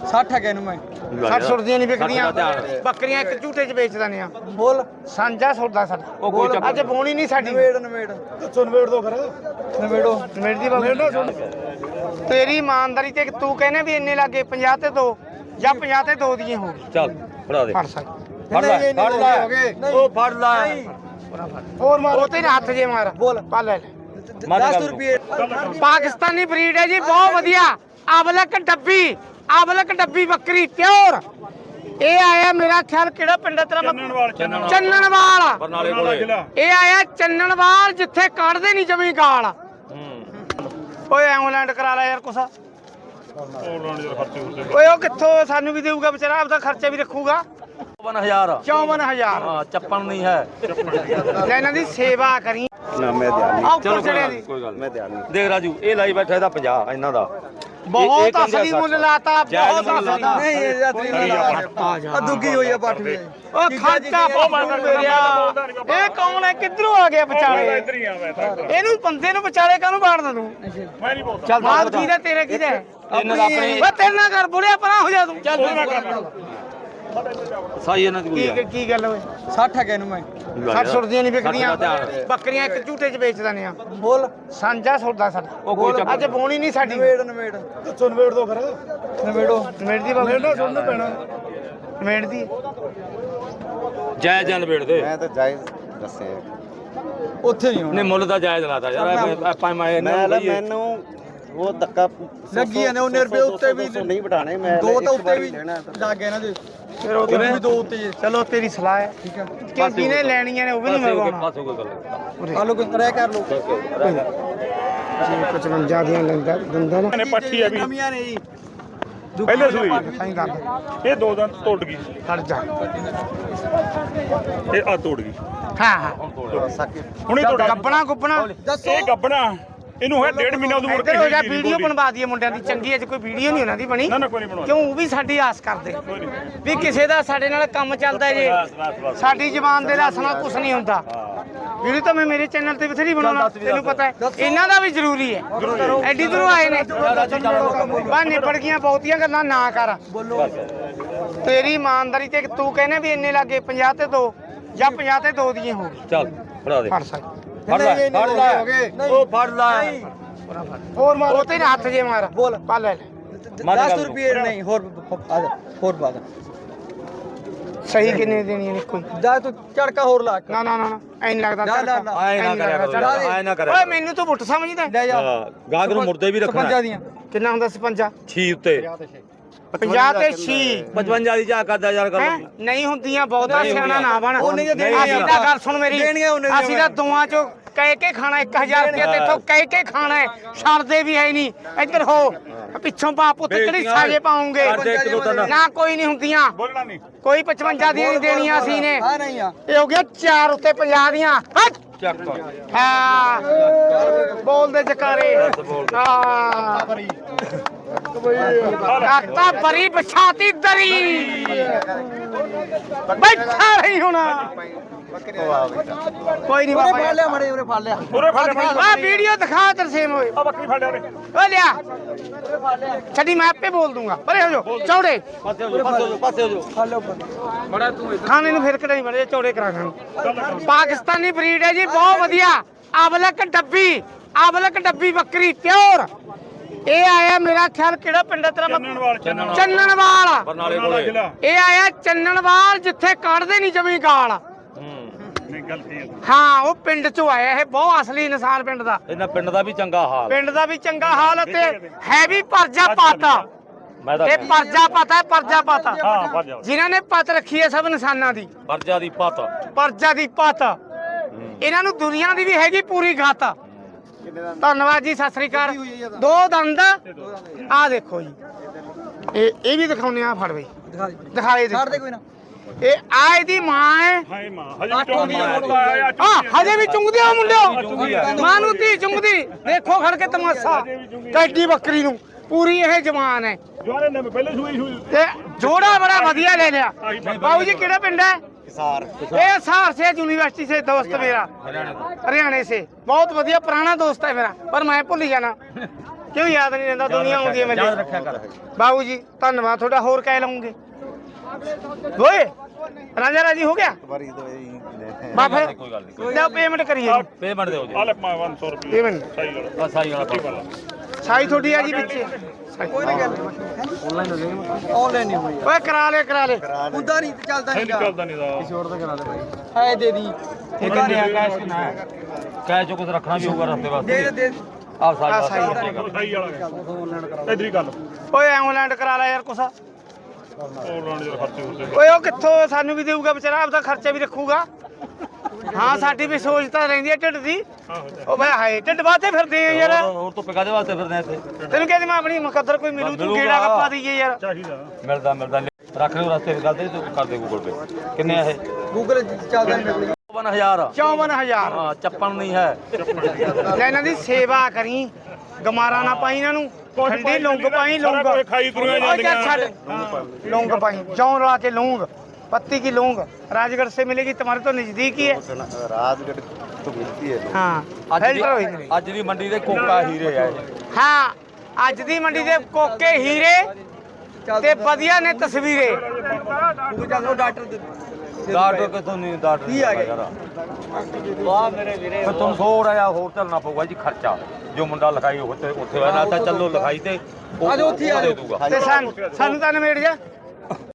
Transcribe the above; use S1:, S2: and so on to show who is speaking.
S1: 60 ਹੈ ਇਹਨੂੰ ਮੈਂ
S2: 60 ਸੁਰਦੀਆਂ ਨਹੀਂ ਵਿਕਦੀਆਂ ਬੱਕਰੀਆਂ ਇੱਕ ਝੂਟੇ 'ਚ ਵੇਚ ਦਿੰਦੇ ਆ
S1: ਬੋਲ
S2: ਸਾਂਝਾ ਸੌਦਾ ਸਾਡਾ
S1: ਉਹ ਕੋਈ ਚੱਕਰ
S2: ਅੱਜ ਬੋਣੀ ਨਹੀਂ ਸਾਡੀ
S1: ਨਵੇੜ ਦੱਸੋ ਨਵੇੜ ਦੋ ਫਿਰ ਨਵੇੜੋ
S2: ਨਵੇੜ ਦੀ ਬਾਬੂ ਤੇਰੀ ਇਮਾਨਦਾਰੀ ਤੇ ਤੂੰ ਕਹਿੰਦੇ ਵੀ ਇੰਨੇ ਲੱਗੇ 50 ਤੇ 2 ਜਾਂ 50 ਤੇ 2 ਦੀਆਂ ਹੋ ਗਈ
S3: ਚੱਲ ਫੜਾ ਦੇ
S2: ਫੜ ਸਕ
S3: ਫੜ ਲੈ ਉਹ ਫੜ ਲੈ
S2: ਹੋਰ ਮਾਰ ਉਹ ਤੇਰੇ ਹੱਥ ਜੇ ਮਾਰ
S1: ਬੋਲ
S2: ਪਾ ਲੈ
S1: 10 ਰੁਪਏ
S2: ਪਾਕਿਸਤਾਨੀ ਬਰੀਡ ਹੈ ਜੀ ਬਹੁਤ ਵਧੀਆ ਅਬਲਕ ਡੱਬੀ ਬੱਕਰੀ ਪਿਓਰ ਇਹ ਆਇਆ ਮੇਰਾ ਖਿਆਲ ਕਿਹੜਾ ਪਿੰਡ ਹੈ ਤੇਰਾ ਚੰਨਣਵਾਲ
S3: ਬਰਨਾਲੇ ਕੋਲੇ
S2: ਇਹ ਆਇਆ ਚੰਨਣਵਾਲ ਜਿੱਥੇ ਕੱਢਦੇ ਨਹੀਂ ਜਮੀ ਗਾਲ ਓਏ ਐਂਬੂਲੈਂਸ ਕਰਾ ਲੈ ਯਾਰ ਕੁਛ ਓਏ ਉਹ ਕਿੱਥੋਂ ਸਾਨੂੰ ਵੀ ਦੇਊਗਾ ਵਿਚਾਰਾ ਆਪਦਾ ਖਰਚਾ ਵੀ ਰੱਖੂਗਾ
S3: 54000
S2: 54000
S3: ਹਾਂ ਚੱਪਣ ਨਹੀਂ ਹੈ
S2: ਲੈ ਇਹਨਾਂ ਦੀ ਸੇਵਾ ਕਰੀ
S4: ਨਾ ਮੈਂ ਧਿਆਨ
S2: ਆਹ
S3: ਚਲੋ
S2: ਉੱਪਰ ਚੜਿਆ ਦੀ
S3: ਕੋਈ ਗੱਲ
S4: ਮੈਂ ਧਿਆਨ
S3: ਦੇਖ ਰਾਜੂ ਇਹ ਲਾਈ ਬੈਠਾ ਇਹਦਾ 50 ਇਹਨਾਂ ਦਾ
S2: ਬਹੁਤ ਅਸਲੀ ਮੁੱਲ ਲਾਤਾ ਬਹੁਤ ਅਸਲੀ
S1: ਨਹੀਂ ਇਹ ਯਾਤਰੀ ਆ ਦੁੱਗੀ ਹੋਈ ਆ ਪੱਠ ਵੀ
S2: ਉਹ ਖਰਚਾ ਬਹੁਤ ਮੇਰਿਆ ਇਹ ਕੌਣ ਹੈ ਕਿੱਧਰੋਂ ਆ ਗਿਆ ਵਿਚਾਲੇ ਇਹਨੂੰ ਬੰਦੇ ਨੂੰ ਵਿਚਾਲੇ ਕਾਹਨੂੰ ਬਾੜਦਾ ਤੂੰ
S5: ਮੈਂ ਨਹੀਂ ਬੋਲਦਾ
S2: ਚੱਲ ਮਾਲ ਕਿਹਦਾ ਤੇਰਾ ਕਿਹਦਾ
S3: ਇਹਨਾਂ ਦਾ ਆਪਣੀ
S2: ਓ ਤੇਰੇ ਨਾਲ ਕਰ ਬੁੜਿਆ ਪਰਾਂ ਹੋ ਜਾ ਤੂੰ ਚੱਲ
S3: ਸਾਈ ਇਹਨਾਂ ਦੀ ਕੋਈ
S2: ਕੀ ਗੱਲ ਓਏ
S1: 60 ਹੈ ਇਹਨੂੰ ਮੈਂ
S2: 60 ਸੁਰਦੀਆਂ ਨਹੀਂ ਵਿਕਦੀਆਂ ਬੱਕਰੀਆਂ ਇੱਕ ਝੂਟੇ 'ਚ ਵੇਚ ਦਿੰਦੇ ਆ
S1: ਬੋਲ
S2: ਸਾਂਝਾ ਸੌਦਾ ਸਾਡਾ
S3: ਉਹ ਕੋਈ ਚੱਕਰ
S2: ਅੱਜ ਬੋਣੀ ਨਹੀਂ ਸਾਡੀ
S1: ਨਵੇੜ ਦੱਸੋ ਨਵੇੜ ਦੋ ਫਿਰ ਨਵੇੜੋ
S2: ਨਵੇੜ ਦੀ ਬਾਬੂ
S1: ਸੁਣਨਾ ਪੈਣਾ
S2: ਨਵੇੜ ਦੀ
S3: ਜਾਇਜ਼ ਜਨ ਵੇੜ ਦੇ
S4: ਮੈਂ ਤਾਂ ਜਾਇਜ਼ ਦੱਸੇ
S1: ਉੱਥੇ ਨਹੀਂ ਹੋਣਾ
S3: ਨੇ ਮੁੱਲ ਦਾ ਜਾਇਜ਼ ਲਾਤਾ ਯਾਰ ਆਪਾਂ
S4: ਮੈਨੂੰ ਉਹ ਧੱਕਾ
S1: ਲੱਗੀ ਜਾਂਦੇ ਉਹਨੇ ਰੁਪਏ ਉੱਤੇ ਵੀ
S4: ਨਹੀਂ ਬਿਠਾਣੇ ਮੈਂ
S1: ਦੋ ਤਾਂ
S4: ਇੱਕ
S1: ਉੱਤੇ
S4: ਵਾਰੀ
S1: ਵੀ
S4: ਲੈਣਾ
S1: ਲੱਗ ਗਏ ਨਾ ਜੀ ਫਿਰ ਉਹਦੇ ਵੀ ਦੋ ਉੱਤੇ ਜੀ
S2: ਚਲੋ ਤੇਰੀ ਸਲਾਹ ਹੈ
S1: ਠੀਕ ਹੈ
S2: ਕਿ ਜਿਹਨੇ ਲੈਣੀਆਂ ਨੇ ਉਹ ਵੀ ਨਹੀਂ ਮੰਗਵਾਉਣਾ
S3: ਪਾਸੋਂ ਕੋਈ ਗੱਲ
S1: ਆ ਲੋ ਕੋਈ ਰਹਿ ਕਰ ਲੋ
S2: 55 ਦੀਆਂ ਲੈਂਦਾ ਦੰਦਾ ਨਾ
S5: ਨੇ ਪੱਠੀ ਆ ਵੀ
S1: ਕਮੀਆਂ ਨੇ ਜੀ
S5: ਪਹਿਲੇ ਸੂਈ
S2: ਸਾਈਂ ਕਰ
S5: ਇਹ ਦੋ ਦੰਦ ਤੋੜ ਗਈ
S2: ਖੜ ਜਾ
S5: ਇਹ ਆ ਤੋੜ ਗਈ
S2: ਹਾਂ ਹਾਂ
S5: ਹੁਣੇ ਤੋੜ
S2: ਗੱਬਣਾ ਗੁੱਬਣਾ
S5: ਇਹ ਗੱਬਣਾ ਇਹਨੂੰ ਹੋਇਆ 1.5 ਮਹੀਨਾ ਉਦੋਂ ਮੁੜ ਕੇ
S2: ਇੱਧਰ ਹੋ ਜਾ ਵੀਡੀਓ ਬਣਵਾ ਦਈਏ ਮੁੰਡਿਆਂ ਦੀ ਚੰਗੀ ਅੱਜ ਕੋਈ ਵੀਡੀਓ ਨਹੀਂ ਉਹਨਾਂ ਦੀ ਬਣੀ
S5: ਨਾ ਕੋਈ ਨਹੀਂ ਬਣਵਾ
S2: ਕਿਉਂ ਉਹ ਵੀ ਸਾਡੀ ਆਸ ਕਰਦੇ ਵੀ ਕਿਸੇ ਦਾ ਸਾਡੇ ਨਾਲ ਕੰਮ ਚੱਲਦਾ ਜੇ ਸਾਡੀ ਜ਼ਬਾਨ ਦੇ ਲਾਸ ਨਾਲ ਕੁਝ ਨਹੀਂ ਹੁੰਦਾ ਵੀਡੀਓ ਤਾਂ ਮੈਂ ਮੇਰੇ ਚੈਨਲ ਤੇ ਬਥੇਰੀ ਬਣਾਉਣਾ ਤੈਨੂੰ ਪਤਾ ਹੈ ਇਹਨਾਂ ਦਾ ਵੀ ਜ਼ਰੂਰੀ ਹੈ ਐਡੀ ਦੂਰੋਂ ਆਏ ਨੇ ਬਾ ਨਿਬੜ ਗਈਆਂ ਬਹੁਤੀਆਂ ਗੱਲਾਂ ਨਾ ਕਰ ਤੇਰੀ ਇਮਾਨਦਾਰੀ ਤੇ ਤੂੰ ਕਹਿੰਦੇ ਵੀ ਇੰਨੇ ਲੱਗੇ 50 ਤੇ 2 ਜਾਂ 50 ਤੇ 2 ਦੀਆਂ ਹੋ ਗਈ
S3: ਚੱਲ ਫੜਾ ਦੇ
S2: ਫੜ ਸਕ
S3: ਫੜ ਲੈ ਉਹ ਫੜ ਲੈ
S2: ਹੋਰ ਮਾਰ ਉਹ ਤੇਰੇ ਹੱਥ ਜੇ ਮਾਰ
S1: ਬੋਲ
S2: ਪਾ ਲੈ
S1: 10 ਰੁਪਏ ਨਹੀਂ ਹੋਰ ਹੋਰ ਬਾਦ
S2: ਸਹੀ ਕਿੰਨੇ ਦੇਣੀ ਨੇ ਕੋਈ
S1: ਜਾ ਤੂੰ ਝੜਕਾ ਹੋਰ ਲਾ
S2: ਨਾ ਨਾ ਨਾ ਐਨ ਲੱਗਦਾ
S3: ਆਏ ਨਾ ਕਰਿਆ ਕਰੋ ਆਏ ਨਾ ਕਰਿਆ
S2: ਓਏ ਮੈਨੂੰ ਤੂੰ ਬੁੱਟ ਸਮਝਦਾ
S1: ਲੈ ਜਾ
S3: ਗਾਹਕ ਨੂੰ ਮੁਰਦੇ ਵੀ ਰੱਖਣਾ
S1: 55 ਦੀਆਂ
S2: ਕਿੰਨਾ ਹੁੰਦਾ 56
S3: ਛੀ ਉੱਤੇ
S2: 50 ਤੇ 6
S3: 55 ਦੀ ਜਾ ਕਰਦਾ ਯਾਰ ਗੱਲ
S2: ਨਹੀਂ ਹੁੰਦੀਆਂ ਬਹੁਤਾ ਸਿਆਣਾ ਨਾ ਬਣ
S1: ਉਹਨੇ ਜੇ ਦੇਣੀ
S2: ਅਸੀਂ ਤਾਂ ਗੱਲ ਸੁਣ ਮੇਰੀ
S1: ਦੇਣੀਆਂ ਉਹਨੇ ਦੀਆਂ
S2: ਅਸੀਂ ਤਾਂ ਦੋਆਂ ਚੋਂ ਕਹਿ ਕੇ ਖਾਣਾ 1000 ਰੁਪਏ ਤੇ ਇੱਥੋਂ ਕਹਿ ਕੇ ਖਾਣਾ ਹੈ ਛੱਡਦੇ ਵੀ ਹੈ ਨਹੀਂ ਇੱਧਰ ਹੋ ਪਿੱਛੋਂ ਬਾਪ ਉੱਤੇ ਕਿਹੜੀ ਸਾਜੇ ਪਾਉਂਗੇ ਨਾ ਕੋਈ ਨਹੀਂ ਹੁੰਦੀਆਂ
S5: ਬੋਲਣਾ ਨਹੀਂ
S2: ਕੋਈ 55 ਦੀਆਂ ਨਹੀਂ ਦੇਣੀਆਂ ਅਸੀਂ ਨੇ
S1: ਆ ਨਹੀਂ ਆ
S2: ਇਹ ਹੋ ਗਿਆ 4 ਉੱਤੇ 50 ਦੀਆਂ ਹੱਟ
S3: ਚੱਕ
S2: ਹਾਂ ਬੋਲਦੇ ਜਕਾਰੇ ਹਾਂ ਕਾਤਾ ਬਰੀ ਬਛਾਤੀ ਦਰੀ ਬੈਠਾ ਰਹੀ ਹੁਣ ਕੋਈ ਨਹੀਂ
S1: ਉਰੇ
S2: ਬਾਬਾ
S1: ਫੜ ਲਿਆ ਮੜੇ ਉਰੇ ਫੜ ਲਿਆ
S5: ਪੂਰੇ ਫੜ
S2: ਆ ਵੀਡੀਓ ਦਿਖਾ ਤਰਸੇਮ ਹੋਏ
S5: ਆ ਬੱਕਰੀ ਫੜ ਲਿਆ ਉਹਨੇ
S2: ਓ ਲਿਆ ਛੱਡੀ ਮੈਂ ਆਪੇ ਬੋਲ ਦੂੰਗਾ ਪਰੇ ਹੋ ਜਾਓ ਚੌੜੇ
S3: ਪਾਸੇ ਹੋ ਜਾ ਪਾਸੇ ਹੋ ਜਾ
S1: ਫੜ ਲਿਆ
S2: ਖਾਣੇ ਨੂੰ ਫਿਰ ਕਢਾਈ ਮੜੇ ਚੌੜੇ ਕਰਾ ਖਾਣ ਪਾਕਿਸਤਾਨੀ ਬਰੀਡ ਹੈ ਜੀ ਬਹੁਤ ਵਧੀਆ ਅਬਲਕ ਡੱਬੀ ਬੱਕਰੀ ਪਿਓਰ ਇਹ ਆਇਆ ਮੇਰਾ ਖਿਆਲ ਕਿਹੜਾ ਪਿੰਡ ਹੈ ਤੇਰਾ ਚੰਨਣਵਾਲ
S3: ਬਰਨਾਲੇ ਕੋਲੇ
S2: ਇਹ ਆਇਆ ਚੰਨਣਵਾਲ ਜਿੱਥੇ ਕੱਢਦੇ ਨਹੀਂ ਜਮੀ ਗਾਲ
S5: ਨਹੀਂ ਗਲਤੀ ਹੈ
S2: ਹਾਂ ਉਹ ਪਿੰਡ ਚੋਂ ਆਇਆ ਇਹ ਬਹੁਤ ਅਸਲੀ ਇਨਸਾਨ ਪਿੰਡ ਦਾ
S3: ਇਹਨਾਂ ਪਿੰਡ ਦਾ ਵੀ ਚੰਗਾ ਹਾਲ
S2: ਪਿੰਡ ਦਾ ਵੀ ਚੰਗਾ ਹਾਲ ਤੇ ਹੈ ਵੀ ਪਰਜਾ ਪਾਤਾ
S3: ਮੈਂ ਤਾਂ
S2: ਇਹ ਪਰਜਾ ਪਾਤਾ ਪਰਜਾ ਪਾਤਾ
S5: ਹਾਂ ਫੜ ਜਾ
S2: ਜਿਨ੍ਹਾਂ ਨੇ ਪਤ ਰੱਖੀ ਹੈ ਸਭ ਇਨਸਾਨਾਂ ਦੀ
S3: ਪਰਜਾ ਦੀ ਪਤ
S2: ਪਰਜਾ ਦੀ ਪਤ ਇਹਨਾਂ ਨੂੰ ਦੁਨੀਆ ਦੀ ਵੀ ਹੈਗੀ ਪੂਰੀ ਗਤ ਧੰਨਵਾਦ ਜੀ ਸਤਿ ਸ੍ਰੀ ਅਕਾਲ ਦੋ ਦੰਦ ਆ ਦੇਖੋ ਜੀ ਇਹ ਵੀ ਦਿਖਾਉਣੇ ਆ ਫੜ ਬਈ ਦਿਖਾਏ
S1: ਛੱਡ ਦੇ ਕੋਈ ਨਾ
S2: ਇਹ ਆ ਇਹਦੀ ਮਾਂ ਹੈ
S5: ਹਾਏ ਮਾਂ ਹਜੇ ਵੀ ਚੌਂਕੀ ਮੁੰਡਾ ਆਇਆ
S2: ਹਾਂ ਹਜੇ ਵੀ ਚੁੰਗਦੇ ਆ ਮੁੰਡਿਓ ਮਾਂ ਨੂੰ ਧੀ ਚੁੰਗਦੀ ਦੇਖੋ ਖੜ ਕੇ ਤਮਾਸ਼ਾ ਕੈਡੀ ਬੱਕਰੀ ਨੂੰ ਪੂਰੀ ਇਹ ਜਵਾਨ ਹੈ
S5: ਜਵਾਨੇ ਨੇ ਪਹਿਲੇ ਸੂਈ
S2: ਤੇ ਜੋੜਾ ਬੜਾ ਵਧੀਆ ਲੈ ਲਿਆ ਬਾਬੂ ਜੀ ਕਿਹੜਾ ਪਿੰਡ है ये हिसार से यूनिवर्सिटी से दोस्त मेरा हरियाणा से बहुत बढ़िया पुराना दोस्त है मेरा पर मैं भूल जाना ਕਿਉਂ ਯਾਦ ਨਹੀਂ ਰਹਿੰਦਾ ਦੁਨੀਆ ਆਉਂਦੀ ਹੈ
S3: ਯਾਦ
S2: ਮੇਰੇ
S3: ਰੱਖਿਆ ਕਰ
S2: ਬਾਬੂ ਜੀ ਧੰਨਵਾਦ ਤੁਹਾਡਾ ਹੋਰ ਕਹਿ ਲਵਾਂਗੇ ਓਏ ਰਾਜਾ ਰਾਜੀ ਹੋ ਗਿਆ
S4: ਵਾਰੀ ਦੋ ਇਹ
S2: ਬਾ ਫਿਰ
S3: ਕੋਈ ਗੱਲ ਨਹੀਂ
S2: ਲੈ ਪੇਮੈਂਟ ਕਰੀਏ
S3: ਪੇਮੈਂਟ ਦਿਓ ਜੀ
S5: ਆ ਲੈ 500 ਰੁਪਏ
S2: ਪੇਮੈਂਟ
S5: ਸਹੀ ਗੱਲ
S3: ਬਸ ਸਾਈ ਵਾਲਾ
S2: ਸਾਈ ਤੁਹਾਡੀ ਆ ਜੀ ਵਿੱਚ
S1: ਕੋਈ ਨਹੀਂ ਗੱਲ ਆਨਲਾਈਨ ਨਹੀਂ ਹੋਈ
S2: ਓਏ ਕਰਾ ਲੈ
S1: ਉਦਾਂ ਨਹੀਂ ਚੱਲਦਾ
S5: ਨਹੀਂ
S1: ਨਹੀਂਗਾ
S5: ਚੱਲਦਾ ਨਹੀਂ ਦਾ
S1: ਹੈ ਦੇ ਦੀ
S2: ਇਹ ਕਿੰਨੇ ਆ ਕੈਸ਼ ਕਿੰਨਾ ਹੈ
S3: ਕਹਿ ਚੋ ਕੁਝ ਰੱਖਣਾ ਵੀ ਹੋਊਗਾ ਰਸਤੇ ਵਾਸਤੇ
S1: ਦੇ ਦੇ
S3: ਆ ਸਾਈ
S2: ਆਹ ਸਾਈ
S3: ਵਾਲਾ
S5: ਸਹੀ ਵਾਲਾ ਇਧਰ ਹੀ ਗੱਲ
S2: ਓਏ ਐਂਬੂਲੈਂਸ ਕਰਾ ਲੈ ਯਾਰ ਕੁਛ
S5: ਹੋਰ ਲਾਣ ਦੇ ਖਰਚੇ ਹੁੰਦੇ
S2: ਓਏ ਉਹ ਕਿੱਥੋਂ ਸਾਨੂੰ ਵੀ ਦੇਊਗਾ ਵਿਚਾਰਾ ਆਪਦਾ ਖਰਚਾ ਵੀ ਰੱਖੂਗਾ ਹਾਂ ਸਾਡੀ ਵੀ ਸੋਚ ਤਾਂ ਰਹਿੰਦੀ ਹੈ ਢਿੱਡ ਦੀ ਉਹ ਬਈ ਹਾਏ ਢਿੱਡ ਬਾਤੇ ਫਿਰਦੇ ਆ ਯਾਰ
S3: ਹੋਰ ਤੋਂ ਪਿਕਾ ਦੇ ਵਾਸਤੇ ਫਿਰਦੇ ਇੱਥੇ
S2: ਤੈਨੂੰ ਕਹਿੰਦੀ ਮੈਂ ਆਪਣੀ ਮੁਕੱਦਰ ਕੋਈ ਮਿਲੂ ਤੂੰ ਗੇੜਾ ਕੱਪਾ ਦਈਏ ਯਾਰ
S5: ਚਾਹੀਦਾ
S3: ਮਿਲਦਾ ਰੱਖ ਲਿਓ ਰਸਤੇ ਕਰ ਦੇ ਤੂੰ ਕਰ ਦੇ ਗੂਗਲ ਪੇ ਕਿੰਨੇ ਆ ਇਹ
S1: ਗੂਗਲ ਚੱਲਦਾ ਨਹੀਂ
S3: 52000
S2: 54000
S3: ਹਾਂ ਚੱਪਣ ਨਹੀਂ ਹੈ
S2: ਲੈ ਇਹਨਾਂ ਦੀ ਸੇਵਾ ਕਰੀ ਗਮਾਰਾ ਨਾ ਪਾਈ ਇਹਨਾਂ ਨੂੰ ਠੰਡੀ ਲੌਂਗ ਪਾਈ ਲੌਂਗ
S5: ਸਾਰਾ ਕੁਝ ਖਾਈ ਤੁਰੀਆਂ
S2: ਓਏ ਚੱਲ
S5: ਜਾਂਦੀਆਂ।
S2: ਛੱਡ ਲੌਂਗ पाई जौ रला के लौंग पत्ती की लौंग राजगढ़ से मिलेगी तुम्हारे तो नजदीक ही है
S4: ਰਾਜਗੜ ਤੋਂ ਮਿਲਦੀ ਹੈ
S2: हाँ
S3: ਅੱਜ ਦੀ
S2: फिल्टर हुई नहीं।
S3: ਅੱਜ ਦੀ ਮੰਡੀ ਦੇ ਕੋਕਾ ਹੀਰੇ ਆ ਇਹ
S2: हाँ ਅੱਜ ਦੀ ਮੰਡੀ ਦੇ ਕੋਕੇ ਹੀਰੇ ਤੇ ਵਧੀਆ ਨੇ ਤਸਵੀਰੇ
S1: ਗੂਗਲ ਚੱਲਦਾ ਡਾਕਟਰ ਦੇ
S3: ਡਾਕਟਰ ਕਿਥੋਂ ਨਹੀਂ ਡਾਕਟਰ
S1: ਕੀ ਆ ਗਿਆ?
S3: ਯਾਰ ਵਾਹ ਮੇਰੇ ਵੀਰੇ ਫਿਰ ਤੁਹਾਨੂੰ ਥੋੜਾ ਜਿਹਾ ਹੋਰ ਚੱਲਣਾ ਪਊਗਾ ਜੀ ਖਰਚਾ ਜੋ ਮੁੰਡਾ ਲਿਖਾਈ ਉੱਥੇ ਹੋਇਆ ਨਾ ਤਾਂ ਚੱਲੋ ਲਿਖਾਈ ਤੇ ਉਹ
S1: ਆ ਜਾਓ ਉੱਥੇ ਹੀ ਆ
S3: ਦੇ
S1: ਜਾਓ।
S3: ਦੂਗਾ
S2: ਤੇ ਸਾਨੂੰ ਤਾਂ ਨਿਬੇੜ ਜਾ